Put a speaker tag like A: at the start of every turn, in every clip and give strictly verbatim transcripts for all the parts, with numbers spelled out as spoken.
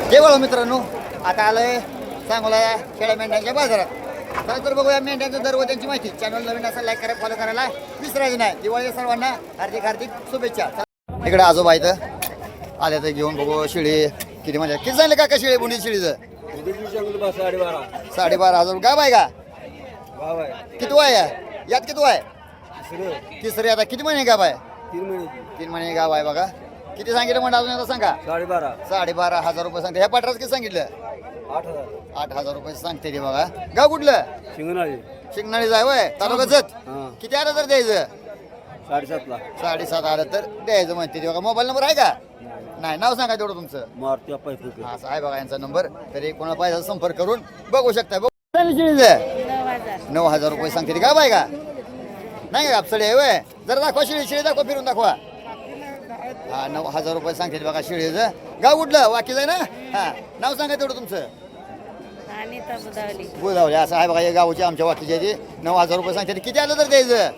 A: जय वळू मित्रांनो, आता आलोय सांगोला शेळ्या मेंढ्यांच्या बाजारात. चला तर बघूया मेंढ्यांचा दर व त्यांची माहिती. चॅनल नवीन असेल लाईक करा, फॉलो करायला विसरायचं नाही. दिवाळी सर्वांना हार्दिक हार्दिक शुभेच्छा. इकडे आजोबा इथं आले तर घेऊन बघू शिळी किती म्हणजे किती झाले काका शिळी बुंडी शिळीचं
B: साडेबारा
A: साडेबारा हजार गाव आहे का?
B: गाव आहे
A: किती वय आहे यात? किती वय?
B: तिसरं
A: तिसरी. आता किती महिने गाव आहे?
B: तीन महिन्याची
A: तीन महिने गाव आहे बघा. किती सांगितलं म्हणा अजून आता सांगा.
B: साडेबारा
A: साडेबारा हजार रुपये सांगते. ह्या पटराच किती सांगितलं?
B: आठ हजार
A: आठ हजार रुपये सांगते ते बघा. गाव कुठलं?
B: शिंगणाळी
A: शिंगणाळी जाय वय तालुका जत.
B: हां
A: किती आलं तर द्यायचं?
B: साडेसातला
A: साडेसात आलं तर द्यायचं म्हणते ते बघा. मोबाईल नंबर आहे का? नाही. नाव सांगा तेवढं तुमचं.
B: मारुती अप्पा फुके
A: हा असं आहे बघा यांचा नंबर. तरी कोणाला पाहिजे असेल संपर्क करून बघू शकता. बघू शिळीचं नऊ हजार रुपये सांगते ते. गाव आहे का? नाही का आपसडी आहे वय. जरा दाखवा शिळी. शिळी दाखवा, फिरून दाखवा. हा नऊ हजार रुपये सांगते बघा शिळीचं. गाव कुठलं? वाकीच आहे ना? हा नाव सांगा तेवढं तुमचं. बुधावली. असं आहे बघा हे गावची आमच्या वाकीची आहे ती. नऊ हजार रुपये सांगते. किती आलं तर द्यायचं?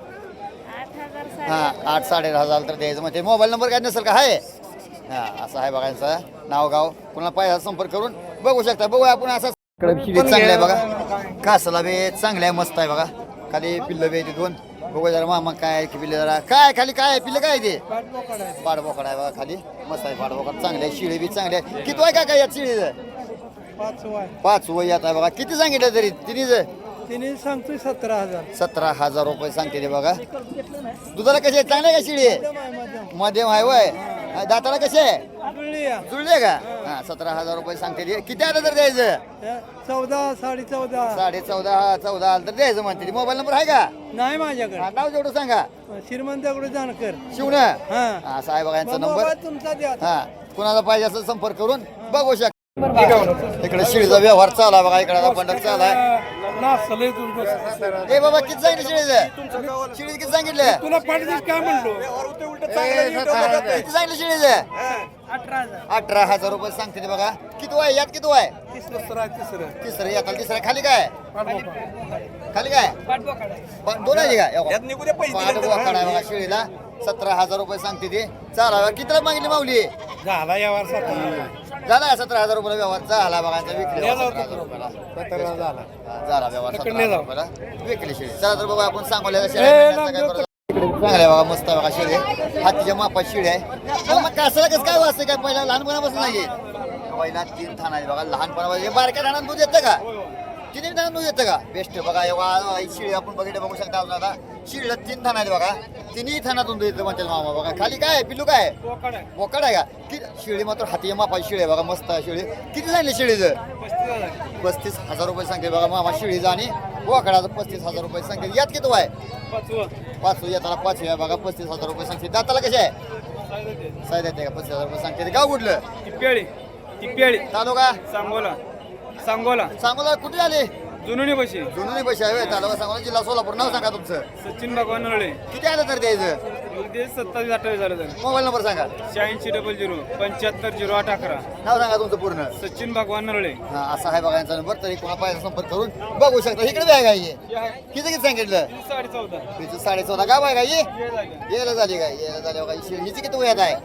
A: हा आठ साडे हजार तर द्यायचं. म्हणजे मोबाईल नंबर काय नसेल का? आहे. हा असं आहे बघा यांचं नाव गाव. कोणाला पाहिजे संपर्क करून बघू शकता. बघूया आपण असं. चांगलं आहे बघा. कासला बी चांगलं आहे, मस्त आहे बघा. खाली पिल्लं बी दोन. बघू जरा मामा काय की पिल्ले जरा काय खाली काय पिल्लं काय ते पाडबोकड आहे बघा खाली. मस्त आहे पाडबोकड. चांगले आहे. शिळी बी चांगली आहे. किती आहे का काय यात शिळीचं? पाच वय येत आहे बघा. किती सांगितलं तरी तिन्हीच?
C: तिने सांगतोय सतरा हजार
A: सतरा हजार रुपये सांगते ते बघा. दुधाला कसे चांगले का शिळी? मध्यम आहे वय. दाताला कसे आहे? जुळले का? हा सतरा हजार रुपये सांगते ते. किती आलं तर द्यायचं?
C: चौदा साडे चौदा
A: साडे चौदा चौदा आलं तर द्यायचं म्हणते. मोबाईल नंबर आहे का?
C: नाही माझ्याकडे.
A: हा, नाव जेवढं सांगा.
C: श्रीमंताकडे जाणकर
A: शिवण.
C: हा
A: असं आहे बघा यांचा नंबर.
C: मोबाईल तुमचा द्या.
A: हा कुणाला पाहिजे असं संपर्क करून बघू शकता. इकडे शिळीचा व्यवहार चालू आहे बघा. इकडे पंढर चालू आहे. ए बाबा किती सांगितलं शिळीचं? शिळी किती सांगितलं?
C: तुला पाठीच काय म्हणलो?
A: किती सांगितलं शिळीचं? अठरा हजार रुपये सांगते ते बघा. किती वय यात? किती वय? तिसरं येतात. तिसरं खाली काय? खाली काय? पा- दोन आहे का? पाठ आहे बघा शिळीला. सतरा हजार रुपये सांगते ती. चालाव्या कितीला मागितली माऊली?
C: झाला यावर
A: झाला सतरा हजार रुपये व्यवहार झाला बघा. विकली सतरा हजार रुपयाला.
C: झाला
A: हा, झाला व्यवहार सतरा हजार रुपयाला विकली शेळी. चला तर बघा आपण सांगोल्याला शेळ्या मेंढ्यांचं काय करू. चांगलं आहे बघा. मस्त आहे बघा शिळी. हातीच्या मापात शिळी आहे. मग मग कासाला कसं काय वाचतं काय? पहिला लहानपणापासून नाही. पहिला तीन थान आहे बघा. लहानपणापासून बारक्या ठाण्यात दूध येतं का? तिन्ही ठाण्यात दूध येतं का? बेस्ट बघा. एवढा शिळी आपण बघितलं बघू शकता. अजून आता शिळीला तीन थान आहेत बघा. तिन्ही थानातून दूध येतं म्हणतात मामा बघा. खाली काय आहे? पिल्लू काय? बोकड आहे का? किती शिळी मात्र हाती मापाची शिळी आहे बघा. मस्त आहे शिळी. किती झाली शिळीचं? पस्तीस हजार रुपये सांगते बघा मामा शिळीचं. आणि बोकडाचं पस्तीस हजार रुपये सांगते. यात किती आहे? पाचवं येताना पाचवी आहे बघा. पस्तीस हजार रुपये सांगते. दाताला कसे आहे? साईद येते का? पस्तीस हजार रुपये सांगते. गाव कुठलं?
C: टिप्प्याळी टिप्प्याळी
A: तालुका
C: सांगोला सांगोला
A: सांगोला. कुठे आले?
C: जुनुनी बशी
A: जुनी पैसे आहे तालुका सांगोला जिल्हा सोलापूर. नाव सांगा तुमचं.
C: सचिन भगवान नळे
A: किती आलं तर द्यायचं?
C: ते सत्तावीस अठ्ठावीस झालं तर
A: मोबाईल नंबर सांगा.
C: शहाऐंशी डबल झिरो पंच्याहत्तर झिरो आठ अकरा.
A: नाव सांगा तुमचं पूर्ण.
C: सचिन भगवान नळे.
A: हा असा आहे बघा यांचा नंबर. तरी कोणा पाहिजे संपर्क करून बघू शकता. इकडे बॅग आहे ही. किती किती सांगितलं?
C: साडे चौदा
A: हिचं साडे चौदा. गाव आहे का ही? यायला झाली काय? यायला झाली बघा. हिची हिची किती वयात आहे?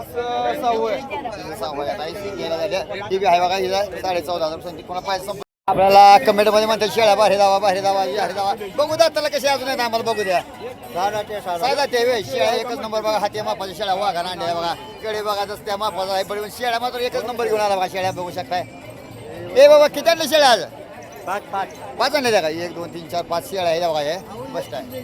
A: हिचं सहा वयात आहे. ही यायला झाली. ती बी आहे बघा. हिला साडे चौदा हजार सांगते. कोणा पाहिजे संपर्क. आपल्याला कमेंट मध्ये म्हणतात शेळ्या बाहेर दावा बाहेर दावा बाहेर दावा. बघू द्या त्याला कसे अजून आहेत आम्हाला बघू द्या. साधा ते वे शेळ्या एकच नंबर बघा. हाती मापाच्या शेळ्या वाघा नांड्या बघा. कडे बघा जसं त्या मापाचा आहे. पण शेळ्या मात्र एकच नंबर घेऊन आला बघा. शेळ्या बघू शकताय. ए बाबा किती आणले शेळ्या आज?
B: पाच पाच
A: पाच आणले त्या का? एक दोन तीन चार पाच शेळ्या आहे बघा. हे बस्ट आहे.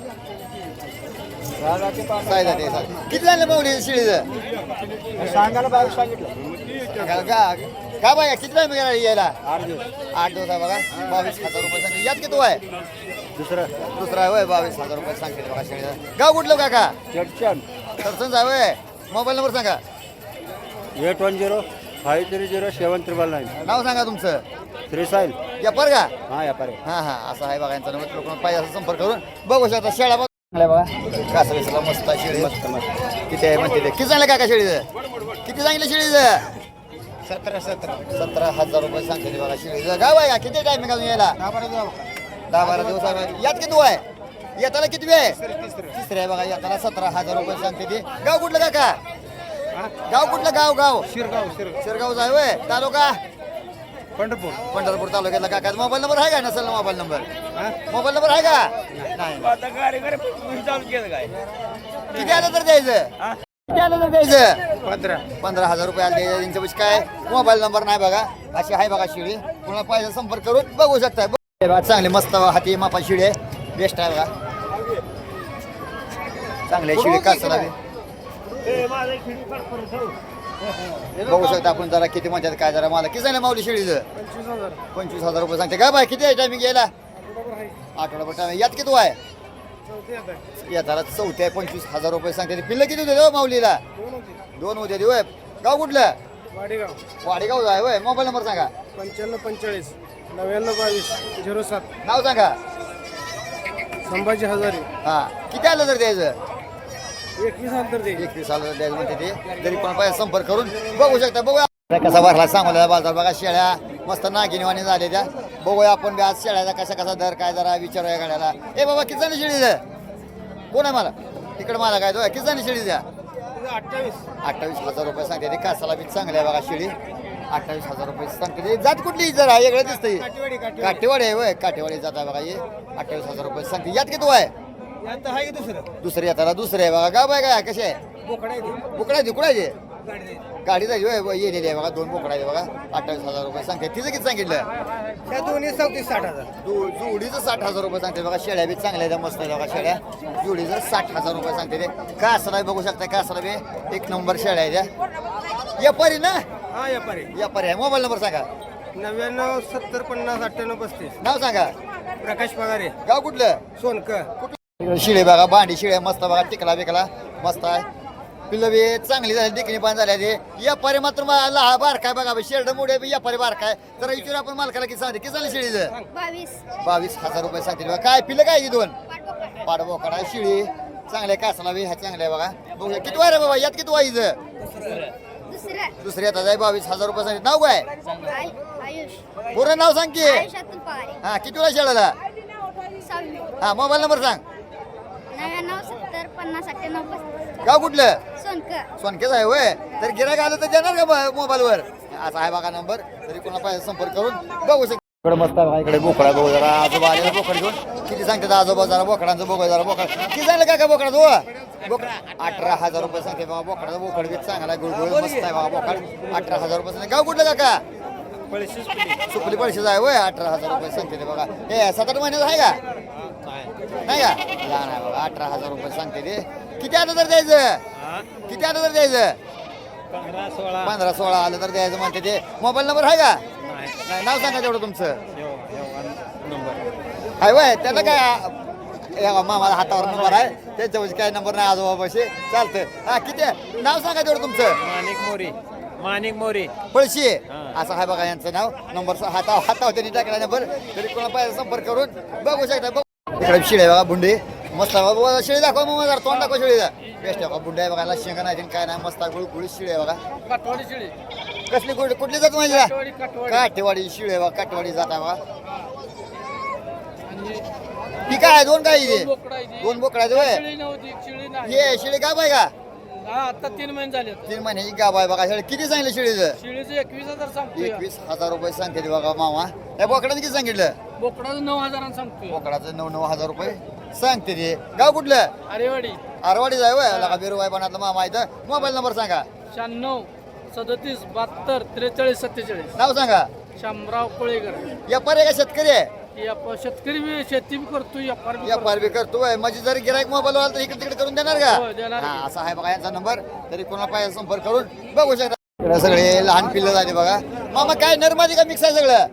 A: सायदा ते साधा. किती झाले माऊली शेळीचं?
B: सांगायला बावीस सांगितलं.
A: का का बघा किती टाइम गेला यायला?
B: आठ दिवस
A: आठ दिवस आहे बघा. बावीस हजार रुपये सांगते. यात किती आहे?
B: दुसरं
A: दुसरा आहे होय. बावीस हजार रुपये सांगते बघा शेळीला. गाव कुठलं काका?
B: चडचण
A: सरसंच आहे होय. मोबाईल नंबर सांगा.
B: Eight one zero five three zero seven triple nine.
A: नाव सांगा तुमचं.
B: त्रिसाईल
A: व्यापार का?
B: हा व्यापारी.
A: हा हा असं आहे बघा यांचा नंबर. लोकांना पाहिजे असं संपर्क करून बघू शकता. शेळ्या बघा बघा. कासवेसला मस्त आहे शेळी.
B: मस्त मस्त.
A: किती आहे म्हणते ते? किती सांगलं काका शेळीचं? किती सांगितलं शेळीचं?
B: सतरा सतरा
A: सतरा हजार रुपये सांगते बघा शेळीचं. गाव आहे का? किती टायमिंग अजून यायला? दहा बारा दिवस आहे. यात किती आहे? येताला किती आहे? तिसरे आहे बघा. येताला सतरा हजार रुपये सांगते ती. गाव कुठलं काका? गाव कुठलं गाव गाव
C: शिरगाव शिरगाव
A: शिरगावचं आहे होय तालुका
C: पंढरपूर
A: पंढरपूर तालुक्यातला काका मोबाईल नंबर आहे का नसेल ना मोबाईल नंबर मोबाईल नंबर आहे का नाही
C: आता कार्यक्रम चालू केलं काय
A: किती आलं तर द्यायचं किती आलं तर द्यायचं
C: पंधरा
A: पंधरा हजार रुपये आले द्यायचं त्यांच्यापाशी काय मोबाईल नंबर नाही बघा अशी आहे बघा शिडी पुन्हा पाहिजे संपर्क करून बघू शकता बघा, बघा चांगली मस्त हाती मापा शिडी आहे बेस्ट आहे बघा चांगली शिडी कासला बघू शकता आपण जरा किती म्हणतात काय जरा मला किती झालं माऊली शिडीचं
C: पंचवीस हजार
A: पंचवीस हजार रुपये सांगते का बाय किती आहे टायमिंग यायला आठवडाभर टायमिंग यात किती आहे
C: चौथी आता
A: याला चौथी आहे पंचवीस हजार रुपये सांगते पिल्लं किती होते हो माऊलीला
C: दोन होती
A: दोन होते होय गाव कुठलं
C: वाडेगाव
A: वाडेगाव आहे होय मोबाईल नंबर सांगा
C: पंच्याण्णव पंचेचाळीस नव्याण्णव बावीस झिरो सात
A: नाव सांगा
C: संभाजी हजारे
A: हा किती आलं तर द्यायचं
C: एकवीस हजार तर दे
A: एकवीस आलं तर द्यायचं म्हणते ते जरी कोण पाहिजे संपर्क करून बघू शकता बघूया कसा भरला सांगोला बाजार बघा शेळ्या मस्त नागिनवाणी झाले त्या बघूया आपण बी आज शेळ्याचा कसा कसा दर काय जरा विचारूया गाड्याला ए बाबा किती जणी शेळी द्या कोण आहे मला तिकडे मला काय तो किती जणी शेळी द्या
C: अठ्ठावीस
A: अठ्ठावीस हजार रुपये सांगते ते कासाला बी चांगली आहे बघा शेळी अठ्ठावीस हजार रुपये सांगते ते जात कुठली जरा वेगळं दिसतंय
C: काठीवाडी काठी
A: काटेवाडी आहे होय काटेवाडी जात आहे बघा हे अठ्ठावीस हजार रुपये सांगते यात किती आहे
C: आता आहे की दुसरं
A: दुसरी येताना दुसरे आहे बघा गाव आहे काय कसे आहे
C: बोकडा आहे
A: बोकडा आहे कुणाचे
C: गाडी दे
A: गाडी जायची होय येलेली आहे बघा दोन बोकडा आहे बघा अठ्ठावीस हजार रुपये सांगते तिचं किती सांगितलं
C: त्या दोन्ही चौतीस साठ हजार
A: दु- जोडीचं साठ हजार रुपये सांगते बघा शेळ्या बी चांगल्या आहेत मस्त आहे बघा शेळ्या जोडीचं साठ हजार रुपये सांगते ते कासला बघू शकता कासला बी एक नंबर शेळ्या आहे त्या व्यापारी ना
C: हा व्यापारी
A: व्यापारी आहे मोबाईल नंबर सांगा
C: नव्याण्णव सत्तर पन्नास अठ्ठ्याण्णव पस्तीस
A: नाव सांगा
C: प्रकाश पगारे
A: गाव कुठलं
C: सोनकर
A: कुठलं शिळे बघा भांडी शिळे मस्त बघा टिकला बिकला मस्त आहे पिल्लं बी चांगली झाली टिकणी पण झाली ते व्यापारी मात्र लहा बारकाय बघा शेरड मुळे बी व्यापारी बारकाय तर विचार आपण मालकाला किती सांगते किती झाली शिळीचं
D: बावीस
A: बावीस हजार रुपये सांगतील बघा काय पिल्लं काय ही दोन
D: पाठवा
A: पाडबोकडा शिळी चांगल्या कासला बी ह्या चांगल्या बघा बघूया किती वाय रे बाबा यात किती वाईचं
D: दुसरं
A: दुसरी येतात आहे बावीस हजार रुपये सांगितलं नाव काय
D: आय आयुष
A: पूर्ण नाव सांग की
D: आयुष्यातून पवारे
A: हा किती वेळा शेळाला
D: सहावी
A: हा मोबाईल नंबर सांग
D: नव्याण्णव सत्तर पन्नास अठ्ठ्याण्णव पस्तीस
A: गाव कुठलं
D: सोनकर
A: सोनकेच आहे होय तर गिराक आलं तर देणार का मोबाईलवर असा आहे बघा नंबर तरी कोणा पाहिजे संपर्क करून बघू शकतो इकडे मस्त आहे बघा, इकडे बोकडा बघू जरा आजोबा आलेला बोकड घेऊन किती सांगतात आजोबा जरा बोकडांचं बघू जरा बोकड किती झालं का बोकडा तो बोकड अठरा हजार रुपये सांगते बघा बोकडाचा बोकड बी चांगला आहे, गुळगुळ मस्त आहे बघा बोकड अठरा हजार रुपये सांगते गाव कुठलं काका सुपली पळशीच आहे होय अठरा हजार रुपये सांगते ते बघा हे सात आठ महिन्याचं आहे का नाही का लहान आहे बघा अठरा हजार रुपये सांगते ते किती आलं तर द्यायचं किती आलं तर द्यायचं
C: पंधरा सोळा
A: पंधरा सोळा आलं तर द्यायचं म्हणते ते मोबाईल नंबर आहे का नाही नाव सांगा तेवढं तुमचं आहे वय त्याला काय हे बघा, मामाला हातावर नंबर आहे त्याच्यापाशी काय नंबर नाही आजोबापाशी चालतं हा किती आहे? नाव सांगा तेवढं तुमचं
C: माणिक मोरी माणिक मोरी
A: पळशी असं आहे बघा यांचं नाव नंबर हाता हातावर त्यांनी टाकला नंबर तरी कोणा पाहिजे संपर्क करून बघू शकता बघू इकडे शिळे बघा बुंडे मस्त आहे बाबा शेळी दाखवा मग जरा तोंड दाखवा शेळीचा बेस्ट आहे बघा बुंडे आहे बघा शेंगा नाही काय नाही मस्त गुळ गुळी शिळे आहे बघा
C: काठवाडी शिळी
A: कसली कुठली कुठली जात माझ्या
C: काठवाडी काठवाडी
A: काठेवाडी शिळे बघा काठेवाडी जात आहे बघा ती काय आहे? दोन काय इथे
C: बोकडा आहे ती.
A: दोन बोकडाचे होय
C: शिळी नव्हती शिळी नाही
A: ये शिळे गाव आहे का
C: हा आता तीन महिने झाले
A: तीन महिन्याची गाव आहे बघा शेळी किती सांगितलं शिळीचं
C: शिळीचे एकवीस हजार सांगतोय
A: एकवीस हजार रुपये सांगते ते बघा मामा या बोकडाचं किती सांगितलं
C: बोकडाचं नऊ हजारांना सांगतोय
A: बोकडाचं नऊ नऊ हजार रुपये सांगते ते गाव कुठलं
C: अरेवाडी
A: आरवाडी जाय वय लगा बिरुवाय बनातलं मामा इथं मोबाईल नंबर सांगा
C: शहाण्णव सदतीस बहात्तर त्रेचाळीस सत्तेचाळीस
A: नाव सांगा
C: शामराव कोळेकर
A: व्यापारी आहे का शेतकरी आहे
C: याप- शेतकरी बी शेती बी करतो व्यापार बी
A: व्यापार बी करतोय म्हणजे जर गिरायक मोबाईल आला तर इकडे तिकडे करून देणार का
C: हो, देणार की.
A: हा असा आहे बघा यांचा नंबर तरी कोणा पाहिजे संपर्क करून बघू शकता इकडे सगळे लहान पिल्लं झाले बघा मामा काय नरमादी का मिक्स आहे सगळं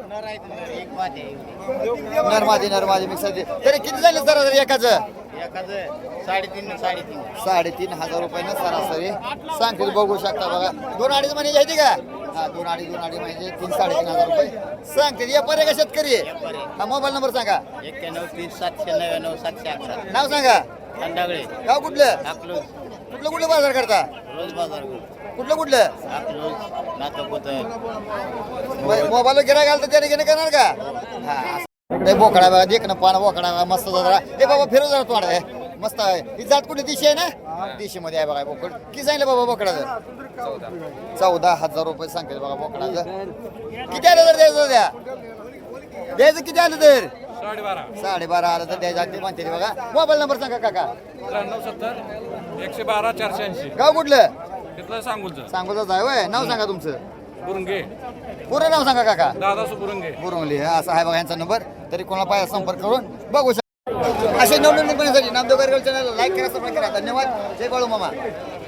A: नरमादी नरमादी मिक्स आहे तरी किती झाले सरासरी एकाचं
C: साडेतीन साडेतीन
A: साडेतीन हजार रुपयानं सरासरी सांगतील बघू शकता बघा दोन अडीच महिने घ्यायची का हा दोन अडीच दोन अडीच महिने तीन साडेतीन हजार रुपये सांगतील व्यापारी आहे का शेतकरी आहे? हा मोबाईल नंबर सांगा
C: एक्क्याण्णव तीस सातशे नव्याण्णव सातशे अकरा
A: नाव सांगा
C: खंडागळे
A: गाव कुठलं
C: अकलूज
A: कुठलं कुठलं बाजार करता
C: रोज बाजार
A: कुठलं कुठलं
C: अकलूज नातपोतर
A: मोबाईल गिराय घालतं त्याने घेणे करणार का हा इकडे बोकडा बघा देख ना पाना बोकडा बघा मस्त जरा ए बाबा फिरव जरा तोंड आहे मस्त आहे ही जात कुठली दिशी आहे ना देशी मध्ये आहे बघा बोकड किती सांगितलं बाबा बोकडाचं चौदा हजार रुपये सांगते बघा बोकडाचं किती आलं तर द्यायचं द्या द्यायचं किती आलं तर
E: साडेबारा
A: साडेबारा आलं तर द्यायचं ते म्हणते बघा मोबाईल नंबर सांगा काका
E: त्र्याण्णव सत्तर एकशे बारा चारशे ऐंशी
A: गाव कुठलं
E: तिथलं सांगूलचं
A: सांगोलाच आहे होय नाव सांगा तुमचं
E: बुरुंगे
A: पूर्ण नाव सांगा काका
E: दादा सुबुरुंगे
A: बुरवली असा आहे बघा यांचा नंबर तरी कोणाला पाहिजे संपर्क करून बघू शकता असे नवनवीन बनण्यासाठी नामदेव गारगल चॅनल लाईक करा सबस्क्राईब करा धन्यवाद जय बाळू मामा